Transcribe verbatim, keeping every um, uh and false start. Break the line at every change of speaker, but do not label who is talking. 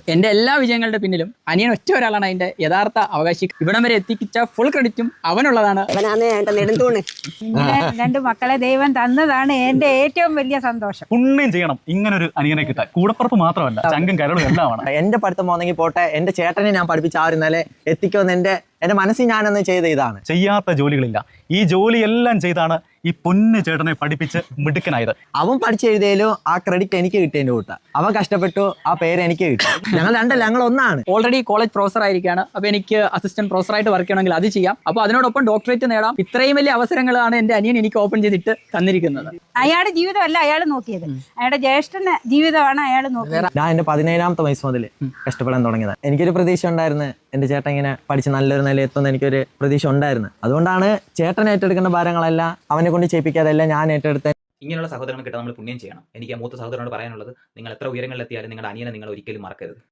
എന്റെ എല്ലാ വിജയങ്ങളുടെ പിന്നിലും അനിയൻ ഒറ്റ ഒരാളാണ് അതിന്റെ യഥാർത്ഥ അവകാശി. ഇവിടം വരെ എത്തിച്ച ഫുൾ ക്രെഡിറ്റും അവനുള്ളതാണ്.
ഇങ്ങനെ രണ്ട് മക്കളെ ദൈവം തന്നതാണ് എന്റെ ഏറ്റവും വലിയ സന്തോഷം.
പുണ്യം ചെയ്യണം ഇങ്ങനൊരു അനിയനെ കിട്ടാൻ. കൂടപ്പുറപ്പ് മാത്രമല്ല, ചങ്കും കരളും എല്ലാമാണ്.
എന്റെ പഠിത്തം പോന്നെങ്കിൽ പോട്ടെ, എന്റെ ചേട്ടനെ ഞാൻ പഠിപ്പിച്ച ആ ഒരു നില എത്തിക്കുമെന്ന് എന്റെ എന്റെ മനസ്സിൽ ഞാനൊന്ന് ചെയ്ത ഇതാണ്.
ചെയ്യാത്ത ജോലികളില്ല, ഈ ജോലിയെല്ലാം ചെയ്താണ് ഈ പൊന്നു ചേട്ടനെ പഠിപ്പിച്ച് മിടുക്കനായത്.
അവൻ പഠിച്ചെഴുതിയാലും ആ ക്രെഡിറ്റ് എനിക്ക് കിട്ടിയതിന്റെ കൂട്ട. അവൻ കഷ്ടപ്പെട്ടു, ആ പേര് എനിക്ക് കിട്ടി. ഞങ്ങൾ രണ്ടല്ല, ഞങ്ങൾ ഒന്നാണ്.
ഓൾറെഡി കോളേജ് പ്രൊഫസർ ആയിരിക്കാണ്. അപ്പൊ എനിക്ക് അസിസ്റ്റന്റ് പ്രൊഫസറായിട്ട് വർക്ക് ചെയ്യണമെങ്കിൽ അത് ചെയ്യാം. അപ്പൊ അതിനോടൊപ്പം ഡോക്ടറേറ്റ് നേടാം. ഇത്രയും വലിയ അവസരങ്ങളാണ് എന്റെ അനിയൻ എനിക്ക് ഓപ്പൺ ചെയ്തിട്ട് തന്നിരിക്കുന്നത്.
അയാളുടെ ജീവിതമല്ല അയാൾ നോക്കിയത്, അയാളുടെ ജ്യേഷ്ഠന്റെ ജീവിതമാണ് അയാൾ നോക്കിയത്.
ഞാൻ എന്റെ പതിനേഴാമത്തെ വയസ്സ് മുതൽ കഷ്ടപ്പെടാൻ തുടങ്ങിയത്. എനിക്കൊരു പ്രതീക്ഷ ഉണ്ടായിരുന്നു, എന്റെ ചേട്ടൻ ഇങ്ങനെ പഠിച്ച് നല്ലൊരു നില എത്തുന്ന എനിക്കൊരു പ്രതീക്ഷ ഉണ്ടായിരുന്നു. അതുകൊണ്ടാണ് ചേട്ടൻ ഏറ്റെടുക്കേണ്ട ഭാരങ്ങളെല്ലാം അവനെ കൊണ്ട് ചെയ്യിപ്പിക്കാതെല്ലാം ഞാൻ ഏറ്റെടുത്ത.
ഇങ്ങനെയുള്ള സഹോദരങ്ങൾ കിട്ടാൻ നമ്മൾ പുണ്യം ചെയ്യണം. എനിക്ക് ആ മൂത്ത സഹോദരനോട് പറയാനുള്ളത്, നിങ്ങൾ എത്ര ഉയരങ്ങളിലെത്തിയാലും നിങ്ങളുടെ അനിയനെ നിങ്ങൾ ഒരിക്കലും മറക്കരുത്.